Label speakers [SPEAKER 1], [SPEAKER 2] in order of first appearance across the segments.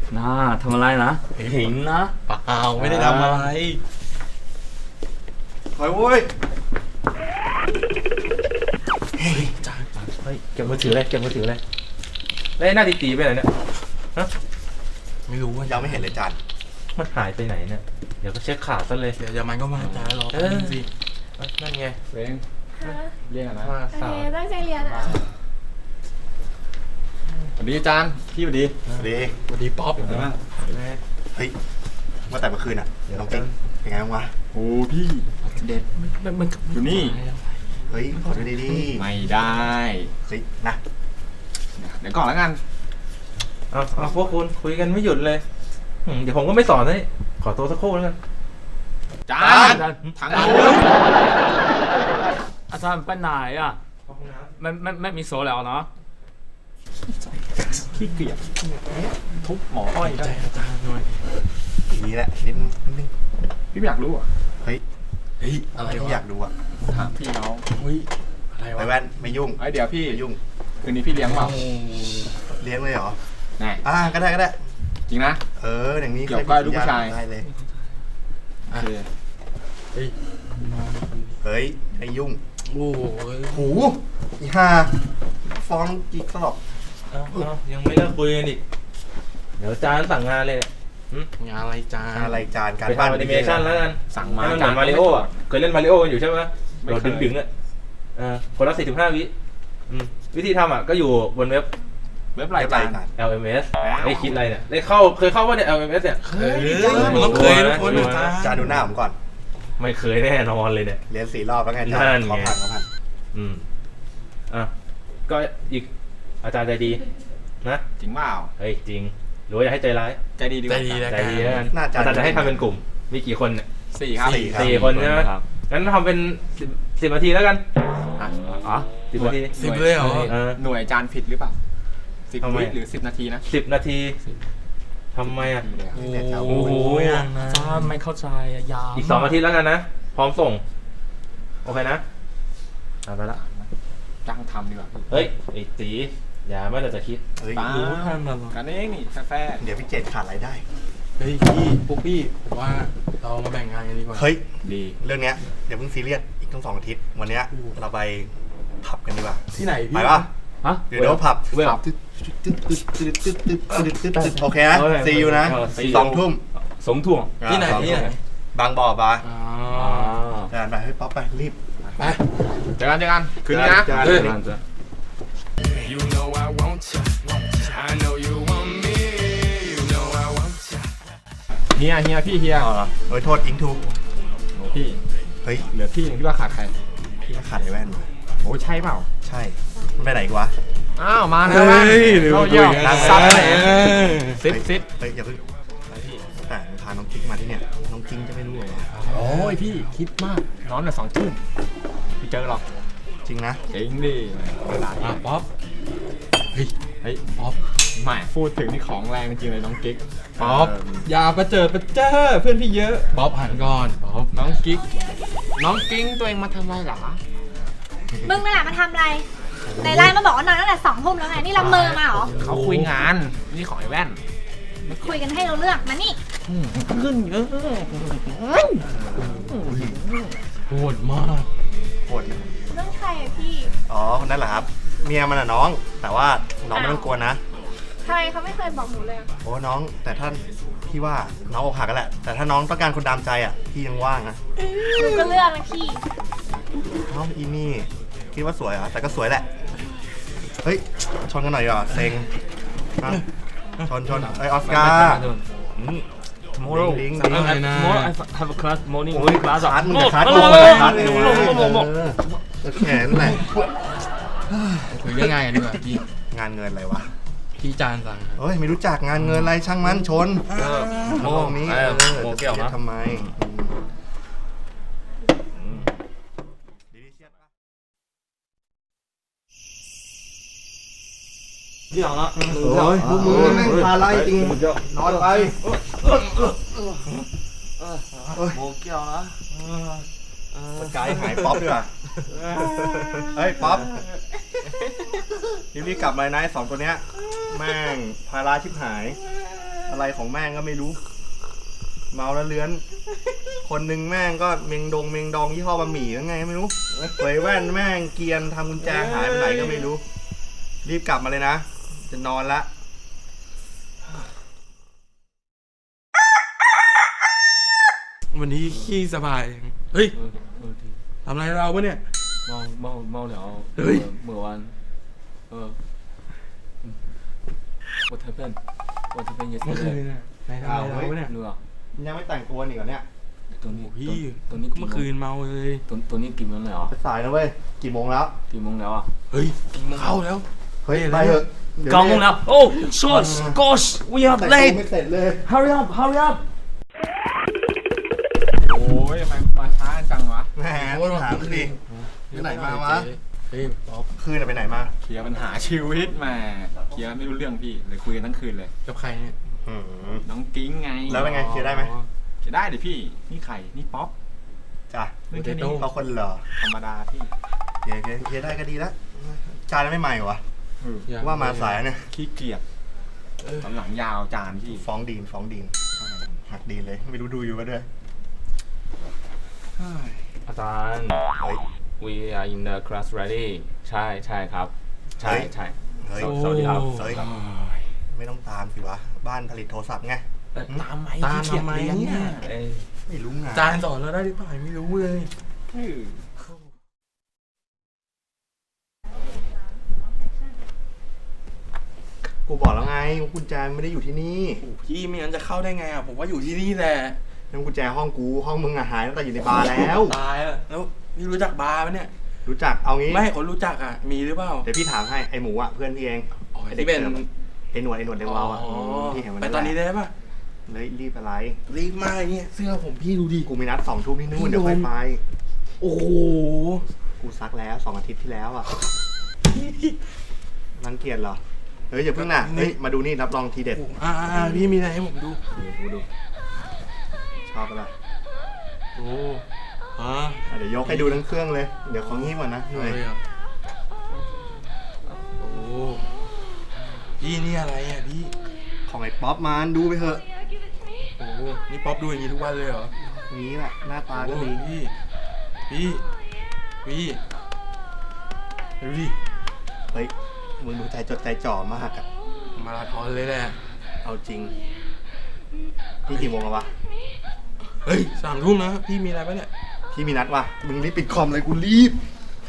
[SPEAKER 1] น่าทำอะไรนะหิงนะ
[SPEAKER 2] เปล่าไม่ได้ทำอะไร
[SPEAKER 3] ถอยโว้ย
[SPEAKER 2] เฮ้ยเก็บมือถือเลยแล้วหน้าตีไปไหนเนี่ยฮะไม่รู้ว่า
[SPEAKER 3] ยังไม่เห็นเลยจาน
[SPEAKER 2] มันหายไปไหนเนี่ยเดี๋ยวก็เช็คข่าวซะเลย
[SPEAKER 4] เดี๋ยวมันก็มาจ้ารอแป๊บนึงสิ
[SPEAKER 2] นั่นไง
[SPEAKER 4] เร่งเรียกนะ
[SPEAKER 2] มาสาว
[SPEAKER 5] ตั้งใจเรียนอ่ะ
[SPEAKER 4] สวัสดีอาจารย์พี่สวัสดี
[SPEAKER 3] สวัสดี
[SPEAKER 4] ป๊อปเป็นไงบ้าง
[SPEAKER 3] เฮ้ยว่าแต่เมื่อคืนอ่ะน้องกิ๊กเป็นไงบ้างวะ
[SPEAKER 4] โอ้พี่เด็ดมันอยู่นี่
[SPEAKER 3] เฮ้ยขอดูดี
[SPEAKER 4] ไม่ได้
[SPEAKER 3] เฮ้ยนะ
[SPEAKER 4] เดี๋ยวก่อนแล้วกัน
[SPEAKER 2] เอาพวกคุณคุยกันไม่หยุดเลยเดี๋ยวผมก็ไม่สอนให้ขอตัวสักครู่แล้วกัน
[SPEAKER 4] จานทางนู้น
[SPEAKER 1] อาจารย์ไปไหนอ่ะไม่มีโซแล้วเนาะ
[SPEAKER 4] ขี้เกียจทุบหมออ้อยได้อาจารย์หน่อย
[SPEAKER 3] นี่แหละนิดนึง
[SPEAKER 4] พี่อยากรู้อ่ะ
[SPEAKER 3] เฮ้ยอะไรที่อยากดูอ่ะ
[SPEAKER 4] ถามพี่น้องเฮ้ยอะไรวะ
[SPEAKER 3] ไปแว่นไม่ยุ่ง
[SPEAKER 4] เดี๋ยวพี่
[SPEAKER 3] ยุ่ง
[SPEAKER 4] คืนนี้พี่เลี้ยงเปล่า
[SPEAKER 3] เลี้ยงเลยเหรอ
[SPEAKER 4] แน่
[SPEAKER 3] ก็ได้
[SPEAKER 4] จริงนะ
[SPEAKER 3] อย่างนี้
[SPEAKER 4] เกี่ยวกับลูกผู้ชาย
[SPEAKER 3] ได้เลย
[SPEAKER 4] โอเค
[SPEAKER 3] เฮ้ยไอ้ยุ่ง
[SPEAKER 4] โอ้
[SPEAKER 3] โหอีห่าฟ้องกี่ตลบ
[SPEAKER 2] ยังไม่เลิกคุยกันอีกเดี๋ยวจานสั่งงานเลย
[SPEAKER 4] งานอะไรจ
[SPEAKER 3] านการ
[SPEAKER 2] บ้านแอนิเมชั่นแล้วกัน
[SPEAKER 4] สั่งมา
[SPEAKER 2] เหมือนมาริโออ่ะเคยเล่นมาริโอกันอยู่ใช่ไหมเราดึงอ่ะคนละ45 วิวิธีทำอ่ะก็อยู่บนเว็บ
[SPEAKER 3] รายการ
[SPEAKER 2] LMS ไม่คิดอะไรเนี่ยเคยเข้าว่าเนี่ย LMS เนี่ย
[SPEAKER 4] มันต้องเคยทุกคน
[SPEAKER 3] จานดูหน้าผมก่อน
[SPEAKER 2] ไม่เคยแน่นอนเลยเนี่ย
[SPEAKER 3] เรียน4 รอบแล้วไงจานขอผ่าน
[SPEAKER 2] ก็อีกอาจารย์ใจดีนะ
[SPEAKER 4] จริงเปล่า
[SPEAKER 2] เฮ้ยจริงหรือว่าอยากให้ใจร้าย
[SPEAKER 4] ใจดีดี
[SPEAKER 2] ใจดีแล้วกันอาจารย์จะให้ทำเป็นกลุ่มมีกี่คนเนี่ย
[SPEAKER 4] 4 ครับ
[SPEAKER 2] 4 คนใช่ไหมงั้นทำเป็น10 นาทีแล้วกัน10 นาที
[SPEAKER 4] 10เลยเหรอหน่วยจานผิดหรือเปล่า10 วิหรือ10 นาทีนะ
[SPEAKER 2] 10 นาทีทำไมอ่ะ
[SPEAKER 1] โอ้โหอาจารย์ไม่เข้าใจยาว
[SPEAKER 2] อีก2 อาทิตย์แล้วกันนะพร้อมส่งโอเคนะไปละ
[SPEAKER 4] จ้างทำดีกว่า
[SPEAKER 2] เฮ้ยไอ้ตีอย่าไม่แต่จะคิด
[SPEAKER 4] รู้ทันแล้วกันเองนี่แฟร์
[SPEAKER 3] เดี๋ยวพี่เจตขาดรายได้
[SPEAKER 4] เฮ้ยพี่พวกพี่ผมว่าเรามาแบ่งงานกันดีกว่า
[SPEAKER 3] เฮ้ยดีเรื่องเนี้ยเดี๋ยวเพิ่งซีเรียสอีกทั้ง2 อาทิตย์วันเนี้ยเราไปผับกันดีกว่า
[SPEAKER 4] ที่ไหนพี่
[SPEAKER 3] ไปป่ะเดี๋ยวผับโอเคนะซีอยู่นะ2 ทุ่ม
[SPEAKER 4] ที่ไหน
[SPEAKER 3] บางบ่อปะไปเฮ้ยป๊อปไปรีบ
[SPEAKER 4] ไปเจอกันคืนนี้นะเฮียพี่
[SPEAKER 3] โทษอิงทู
[SPEAKER 4] พี่
[SPEAKER 3] เฮ้ย
[SPEAKER 4] เหลือพี่ที่ว่าขาดใคร
[SPEAKER 3] พี่ขาดไอ้แว่น
[SPEAKER 4] โอ้ใช่เปล่า
[SPEAKER 3] ใช่มันไปไหนกวะ
[SPEAKER 4] มาแล้วแว่นเข้าเยี่ยมซัดเลยซิด
[SPEAKER 3] เฮ้ยอย่าเพิ่งแต่พาน้องกิ๊กมาที่เนี่ยน้องกิ๊กจะไม่รู้เหรอ
[SPEAKER 4] โอ้ยพี่คิดมากนอน2 ทุ่มพี่เจอหรอก
[SPEAKER 3] จริงนะ
[SPEAKER 4] จริงดิป๊อปเฮ้ยป๊อปไม่พูดถึงที่ของแรงจริงเลยน้องกิ๊กป๊อปอย่าประเจิดประเจ้อเพื่อนพี่เยอะป๊อปหันก่อนป๊อปน้องกิ๊กตัวเองมาทำอะไรหรอ
[SPEAKER 5] มึงนั่นแหละมาทำอะไรในไลน์มาบอกว่านอนตั้งแต่2 ทุ่มแล้วไงนี่ละเมอมาเหรอ
[SPEAKER 4] เขาคุยงานนี่ของไอ้แว่น
[SPEAKER 5] คุยกันให้เราเลือกมานี่
[SPEAKER 4] ขึ้นโหดมาก
[SPEAKER 3] โหด
[SPEAKER 5] เรื่องใครอะพี่
[SPEAKER 3] คนนั้นแหละครับเมียมันอะน้องแต่ว่าน้องไม่ต้องกลัวนะ
[SPEAKER 5] ใครเขาไม่เคยบอกหนูเลย
[SPEAKER 3] โอ้น้องแต่ท่านพี่ว่าน้องอกหักกันแหละแต่ถ้าน้องต้องการคนดามใจอ่ะพี่ยังว่างนะ
[SPEAKER 5] หนูก็เลือกนะพี่
[SPEAKER 3] น้องอีนี่คิดว่าสวยเหรอแต่ก็สวยแหละเฮ้ยชนกันหน่อยดีกว่าเซ็งชนไอออสการ์
[SPEAKER 1] tomorrow I have a class morning class
[SPEAKER 3] คัสมึงจะคัสแขนแหละ
[SPEAKER 4] คุยเรื่องงานกันดีกว่าพี่
[SPEAKER 3] งานเงินอะไรวะ
[SPEAKER 4] พี่จานสั่ง
[SPEAKER 3] เฮ้ยไม่รู้จักงานเงินอะไรช่างมันชนโมงนี้
[SPEAKER 1] โมเกี่ยวนะ
[SPEAKER 3] ทำไม
[SPEAKER 1] ที่หลังละ
[SPEAKER 3] โอ้ยพวกมึงแม่งพาไล่จริงนอนไป
[SPEAKER 1] โมเกี่ยวนะ
[SPEAKER 3] สกายหายป๊อปด้วยเฮ้ยป๊อปรีบกลับมานะ2 ตัวเนี้ยแม่งพาราชิบหายอะไรของแม่งก็ไม่รู้ เมาแล้วเลื้อน คนหนึ่งแม่งก็เมงดองยี่ห้อบะหมี่ยังไงไม่รู้เวยแว่นแม่งเกรียนทำกุญแจหายไปไหนก็ไม่รู้ รีบกลับมาเลยนะ จะนอนละ
[SPEAKER 4] วันนี้ขี้สบาย เฮ้ย
[SPEAKER 1] ดี
[SPEAKER 4] ทำอะไรเราปะเนี่ย
[SPEAKER 1] เมาแล้ว
[SPEAKER 4] เฮ้ย
[SPEAKER 1] เมื่อวันWhat happened What happened
[SPEAKER 4] เมื่อคืน
[SPEAKER 1] yesterday
[SPEAKER 4] น่ะนายทำอะไรเราปะเนี่ย
[SPEAKER 1] เนื้อ
[SPEAKER 3] ยังไม่แต่งตัวนี่ก่อนเนี่ย
[SPEAKER 1] ตัวนี้
[SPEAKER 4] พี่
[SPEAKER 1] ตัวนี้
[SPEAKER 4] เมื่อคืนเมาเลย
[SPEAKER 1] ตัวนี้กี่โมงแล้ว
[SPEAKER 3] ไปสายนะเว้ย กี่โมงแล้ว
[SPEAKER 1] กี่โมงแล้วอ่ะ
[SPEAKER 4] เฮ้ยเข้าแล้ว
[SPEAKER 3] เฮ้ย ไปเถอะดี๋ยว
[SPEAKER 1] 9 โมงแล้ว Oh shit gosh we are
[SPEAKER 3] แต่งตัว
[SPEAKER 1] late
[SPEAKER 3] ไม่เสร็จเลย
[SPEAKER 1] hurry up
[SPEAKER 4] โอ้ยทำไมมาช้าจังวะ
[SPEAKER 3] แหมถามดิไปไหนมาวะ
[SPEAKER 4] เฮ้ยป๊อป
[SPEAKER 3] คืนน่ะไปไหนมา
[SPEAKER 6] เคลียร์ปัญหาชีวิตมาเคลียร์ไม่รู้เรื่องพี่เลยคุยกันทั้งคืนเลย
[SPEAKER 4] กับใครเนี่ย
[SPEAKER 6] น้องกิ้งไง
[SPEAKER 3] แล้วเป็นไงเคลียร์ได้ไหม
[SPEAKER 6] เคลียร์ได้ดิพี่นี่ไข่นี่ป๊อป
[SPEAKER 3] จ้ะ
[SPEAKER 6] เรื่องแค่นี้
[SPEAKER 3] เขาคนเหรอ
[SPEAKER 6] ธรรมดาพี่
[SPEAKER 3] เคลียร์ได้ก็ดีแล้วจานไม่ใหม่เหรอวะ
[SPEAKER 4] อยก
[SPEAKER 3] ว่ามาสายเนี่ย
[SPEAKER 6] ขี้เกียจตอนหลังยาวจานพี่
[SPEAKER 3] ฟ้องดีนหักดีนเลย ไม่รู้ดูอยู่ก็ด้วย
[SPEAKER 1] อาจารย์
[SPEAKER 3] เฮ้ย
[SPEAKER 1] we are in the class ready ใช่ครับ ใช่
[SPEAKER 3] เฮ้ย
[SPEAKER 1] สวัสดีครับ
[SPEAKER 3] เฮ้ยไม่ต้องตามสิวะ บ้านผลิตโทรศัพท์ไง
[SPEAKER 6] ตามไหม
[SPEAKER 4] ตาม
[SPEAKER 6] ขี้เกียจ
[SPEAKER 4] ทำไม
[SPEAKER 6] เรียน
[SPEAKER 4] เนี่
[SPEAKER 6] เนี่ย ย
[SPEAKER 3] ไม่รู้ไง
[SPEAKER 4] จานสอนเราได้หรือเปล่าไม่รู้เลย
[SPEAKER 3] กูบอกแล้วไงว่ากุญแจไม่ได้อยู่ที่นี่
[SPEAKER 4] โอ้พี่ไม่งั้นจะเข้าได้ไงอ่ะผมว่าอยู่ที่นี่แหละ
[SPEAKER 3] นั่นกุญแจห้องกูห้องมึงอะหายตั้งแต่อยู่ในบาร์แล้ว
[SPEAKER 4] ตายแล้วพี่รู้จักบาร์ปะเนี่ย
[SPEAKER 3] รู้จักเอางี้
[SPEAKER 4] ไม่คนรู้จักอ่ะมีหรือเปล่า
[SPEAKER 3] เดี๋ยวพี่ถามให้ไอหมูอะเพื่อนพี่เอง
[SPEAKER 4] อ๋อ
[SPEAKER 3] ไอเด็ก
[SPEAKER 4] ที่เป็น
[SPEAKER 3] สิร์ฟอะไอหนวดเดวาวอะพี่เห็นวัน
[SPEAKER 4] ไป
[SPEAKER 3] นั้น
[SPEAKER 4] ตอนนี้
[SPEAKER 3] แหละ
[SPEAKER 4] ได้ปะ
[SPEAKER 3] เลยรีบอะไร
[SPEAKER 4] รีบมากเนี่ยเสื้อผมพี่ดูดิ
[SPEAKER 3] กูมีนัด2 ทุ่มที่นู่นเดี๋ยวค่อยไป
[SPEAKER 4] โอ้โห
[SPEAKER 3] กูซักแล้ว2 อาทิตย์ที่แล้วอะรังเกียจเหรอเฮ้ยอย่าเพิ่งน่ะเฮ้ยมาดูนี่รับรองทีเด็ด
[SPEAKER 4] พี่มีอะไรให้ผมดู
[SPEAKER 3] ดูชอบปะล่ะ
[SPEAKER 4] โอ้อ่ะ
[SPEAKER 3] เดี๋ยวยกให้ดูทั้งเครื่องเลย เดี๋ยวของงี้ก่อนนะเหนื่อย
[SPEAKER 4] เลยเหรอโอ้พี่นี่อะไรอ่ะพี่
[SPEAKER 3] ของไอ้ป๊อปมาดูไปเถอะ
[SPEAKER 4] โอ้นี่ป๊อปดูอย่างนี้ทุกวันเลยเหรอ
[SPEAKER 3] นี้แหละหน้าตาก็ดี
[SPEAKER 4] โอ้พี่ดูดิ
[SPEAKER 3] เฮ้ยมึงดูใจจดใจจ่อมากอะ
[SPEAKER 4] มาราธอนเลยแหละ
[SPEAKER 3] เอาจริงพี่กี่โมงแล้ววะ
[SPEAKER 4] เฮ้ย3 ทุ่มนะพี่มีอะไรปะเนี่ย
[SPEAKER 3] พี่มีนัดว่ะมึงรีบปิดคอมเลยกูรีบ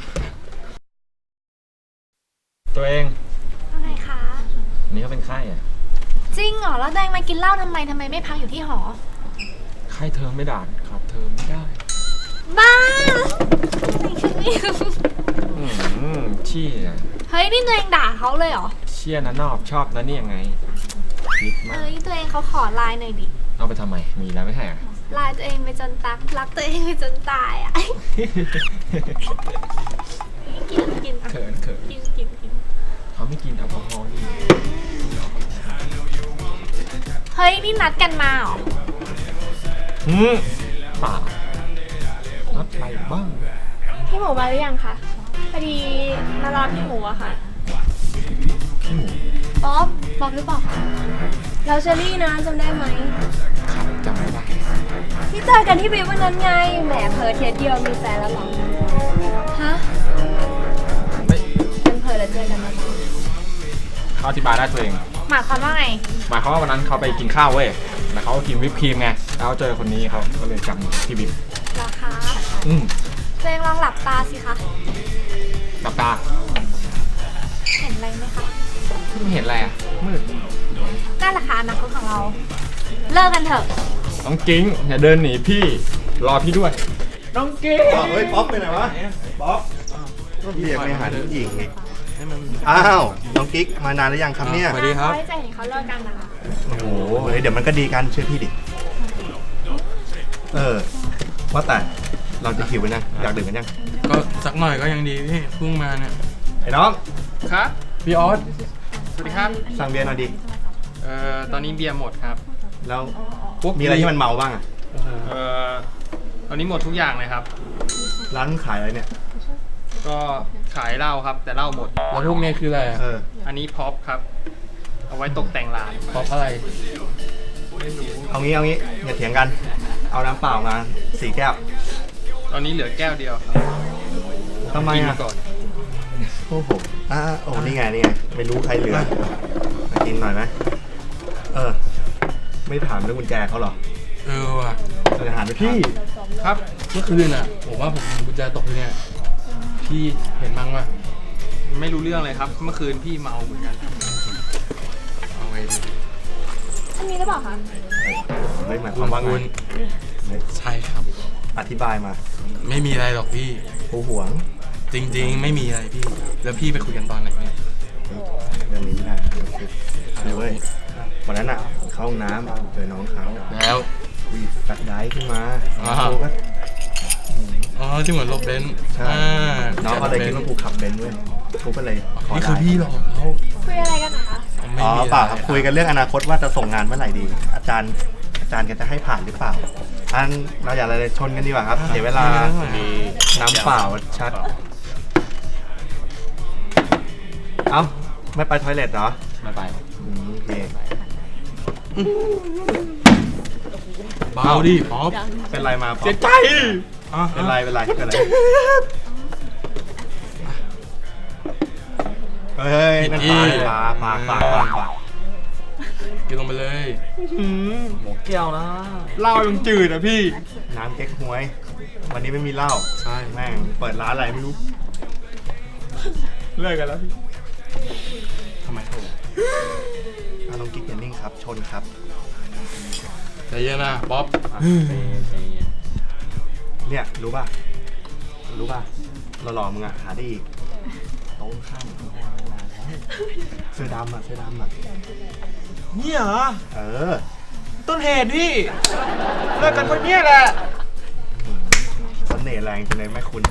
[SPEAKER 6] ตัวเอง
[SPEAKER 5] ว่าไงคะ
[SPEAKER 6] นี่เขาเป็นไข้อะ
[SPEAKER 5] จริงเหรอ แล้วแดงมากินเหล้าทำไมไม่พักอยู่ที่หอ
[SPEAKER 6] ไข้เทอมไม่ด่านครับเทอมไม่ได้
[SPEAKER 5] บ้าไม่คิดไม่รู้
[SPEAKER 6] เชี่ย
[SPEAKER 5] เฮ้ย นี่ตัวเองด่าเขาเลยเหรอ
[SPEAKER 6] เชี่ยนะนอบชอบนะนี่ยังไงนิดมาก
[SPEAKER 5] เฮ้ย ตัวเองเขาขอไลน์หน่อยดิ
[SPEAKER 6] เอาไปทำไมมีแล้วไม่ใช่เหรอ
[SPEAKER 5] ไลน์ตัวเองไปจนตักรักตัวเองไปจนตายอ่ะ กินอ่ะ
[SPEAKER 6] เขิน
[SPEAKER 5] กิน
[SPEAKER 6] เขาไม่กินแอลกอฮอล์นี่
[SPEAKER 5] เฮ้ย นี่นัดกันมาเหรอ
[SPEAKER 6] ป่านัดไปบ้าง
[SPEAKER 7] พี่หมูมาหรือยังคะพอดีมารอพี่หมูอะค่ะ
[SPEAKER 6] พี่หมู
[SPEAKER 7] ป๊อปหรือเปล่าเราเชอรี่นะจำได้ไหม
[SPEAKER 6] ครับจำไม่ได้
[SPEAKER 7] ที่เจอกันที่บีวันนั้นไงแหมเพอเทสเดียวมีแฟนแล้วเหรอฮะ
[SPEAKER 6] ไม่
[SPEAKER 7] เป็นเพอแล้วเจอกันมา
[SPEAKER 6] เขาอธิบายได้ตัวเอง
[SPEAKER 5] หมายความว่าไง
[SPEAKER 6] หมายความว่าวันนั้นเขาไปกินข้าวเว้ยแล้วเขาก็กินวิปครีมไงแล้วเจอคนนี้เขาก็เลยจำพี่บิ๊ก
[SPEAKER 5] เหรอคะ ตัวเองลองหลับตาสิคะ
[SPEAKER 6] หลับตา
[SPEAKER 5] เห็นอะไรไหมคะ
[SPEAKER 6] ไม่เห็นอะไรอ่ะมืด
[SPEAKER 5] นั่นแหละค่ะอนาคตของเรา เลิกกันเถอะ
[SPEAKER 6] น้องกิ้งอย่าเดินหนีพี่รอพี่ด้วย น้องกิ้ง
[SPEAKER 3] เฮ้ยป๊อปไปไหนวะป๊อปก็เรียกไม่หาผู้หญิงอีก
[SPEAKER 4] ให้มัน
[SPEAKER 3] อ้าวน้องกิ๊กมานานหรือยังครับเนี่ย
[SPEAKER 4] สวัสดีครับ
[SPEAKER 7] ไว้ใจเห็นเขาเลิกกันนะคะ
[SPEAKER 3] โอ้โหเฮ้ยเดี๋ยวมันก็ดีกันเชื่อพี่ดิว่าแต่เราจะหิวกันยังอยากดื่มกันยัง
[SPEAKER 4] ก็สักหน่อยก็ยังดีพี่เพิ่งมาเนี่ย
[SPEAKER 3] ไอ้น้อง
[SPEAKER 8] ครับ
[SPEAKER 4] พี่ออส
[SPEAKER 8] สวัสดีครับ
[SPEAKER 3] สั่งเบียร์หน่อยดิ
[SPEAKER 8] ตอนนี้เบียร์หมดครับ
[SPEAKER 3] แล้วมีอะไรที่มันเมาบ้างอะ
[SPEAKER 8] ตอนนี้หมดทุกอย่างเลยครับ
[SPEAKER 3] ร้านขายอะไรเนี่ย
[SPEAKER 8] ก็ขายเหล้าครับ แต่เหล้าหมด
[SPEAKER 4] แล้วพวกนี้คืออะไรอ่ะ
[SPEAKER 3] เออ
[SPEAKER 8] อันนี้พ็อปครับเอาไว้ตกแต่งร้าน
[SPEAKER 4] ป๊อปอะไร
[SPEAKER 3] เอางี้อย่าเถียงกัน เอาน้ำเปล่ามา4 แก้ว
[SPEAKER 8] ตอนนี้เหลือแก้วเดียว
[SPEAKER 3] ทำไม
[SPEAKER 8] กิน
[SPEAKER 3] อ่ะ
[SPEAKER 8] ก่อน
[SPEAKER 3] โอ้โหโอ้นี่ไงไม่รู้ใครเหลือมากินหน่อยไหมไม่ถามเรื่องกุญแจเขาเหรอ
[SPEAKER 4] ว่ะ
[SPEAKER 3] จะถามไปพี่
[SPEAKER 8] ครับ
[SPEAKER 4] เมื่อคืนอ่ะผมว่าผมเห็นกุญแจตกอยู่เนี่ยพี่เห็นมั้งวะ
[SPEAKER 8] ไม่รู้เรื่องเลยครับ เมื่อคืนพี่เมาเหมือนกัน
[SPEAKER 4] เอาไงดี
[SPEAKER 7] อันนี้หรือเปล่าคะ
[SPEAKER 3] ไม่หมายความว่าไง
[SPEAKER 4] ใช่ครับ
[SPEAKER 3] อธิบายมา
[SPEAKER 4] ไม่มีอะไรหรอกพี่
[SPEAKER 3] ผู้หวง
[SPEAKER 4] จริงๆ ไม่มีอะไรพี่ แล้วพี่ไปคุยกันตอนไหนเนี่ย
[SPEAKER 3] เรื่องนี้ไม่ได้เดี๋ยวเว้ยวันนั้นอ่ะเข้าห้องน้ำเจอน้องเขา
[SPEAKER 4] แล้ว
[SPEAKER 3] วีดแฟลชไดรฟ์ขึ้นมา
[SPEAKER 4] อ่า
[SPEAKER 3] โอ้ก็
[SPEAKER 4] อ๋อที่เหมือนรถเบนซ์
[SPEAKER 3] ใช่
[SPEAKER 4] อ่า
[SPEAKER 3] น้องเขาเลยคิดว่ากูขับเบนซ์เว้ยกูก็เลยขอ
[SPEAKER 4] นี่
[SPEAKER 3] ได้
[SPEAKER 4] คือพี่หลอกเขา
[SPEAKER 7] คุยอะไรกันนะคะ
[SPEAKER 4] ไม่
[SPEAKER 3] อ๋อ
[SPEAKER 4] มีะไ
[SPEAKER 3] เปล่าครับคุยกันเรื่องอนาคตว่าจะส่งงานเมื่อไหร่ดี อาจารย์แกจะให้ผ่านหรือเปล่าอันเราอย่าอะไรเลยชนกันดีกว่าครับเสียเวลาน้ำเปล่าชัด เอ้าไม่ไปทอยเลทเหรอ
[SPEAKER 6] ไม่ไป
[SPEAKER 3] โอเค
[SPEAKER 4] เบาดิป๊อป
[SPEAKER 3] เป็นไรมาป๊อป
[SPEAKER 4] เสียใจ
[SPEAKER 3] เป็นไรเฮ้ยนั่นปลา
[SPEAKER 4] กินลงไปเลย
[SPEAKER 1] หมูแก้วนะ
[SPEAKER 3] เหล้ายังจืดอ่ะพี่ น้ำเก๊กฮวย วันนี้ไม่มีเหล้า
[SPEAKER 4] ใช่
[SPEAKER 3] แม่งเปิดร้านอะไรไม่รู้ เลิกกันแล้วพี่
[SPEAKER 4] ทำไมโทร
[SPEAKER 3] น้องกิ๊กอย่านิ่งครับ ชนครับ
[SPEAKER 4] ใจเย็นนะป๊อป
[SPEAKER 3] เนี่ยรู้ป่ะเราหล่อมึงอ่ะหาได้อีกโต๊ะข้างเสื้อดำอ่ะ
[SPEAKER 1] เนี่ยเหรอ
[SPEAKER 3] เออ
[SPEAKER 1] ต้นเหตุพี่เลิกกันคนเนี้ยแหละ
[SPEAKER 3] เสน่ห์แรงจังเลยแม่คุณ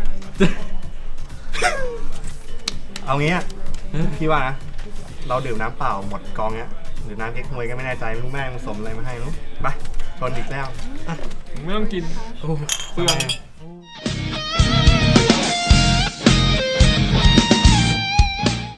[SPEAKER 3] เอางี้อะพี่ว่านะ เราดื่มน้ำเปล่าหมดกองเนี้ย หรือน้ำเก๊กฮวยก็ไม่แน่ใจไม่รู้แม่งผสมอะไรมาให้รู้ไปชนอีกแล้ว
[SPEAKER 8] ไม่ต้องกิน
[SPEAKER 4] โอ้
[SPEAKER 8] เปลือง
[SPEAKER 3] ทำไม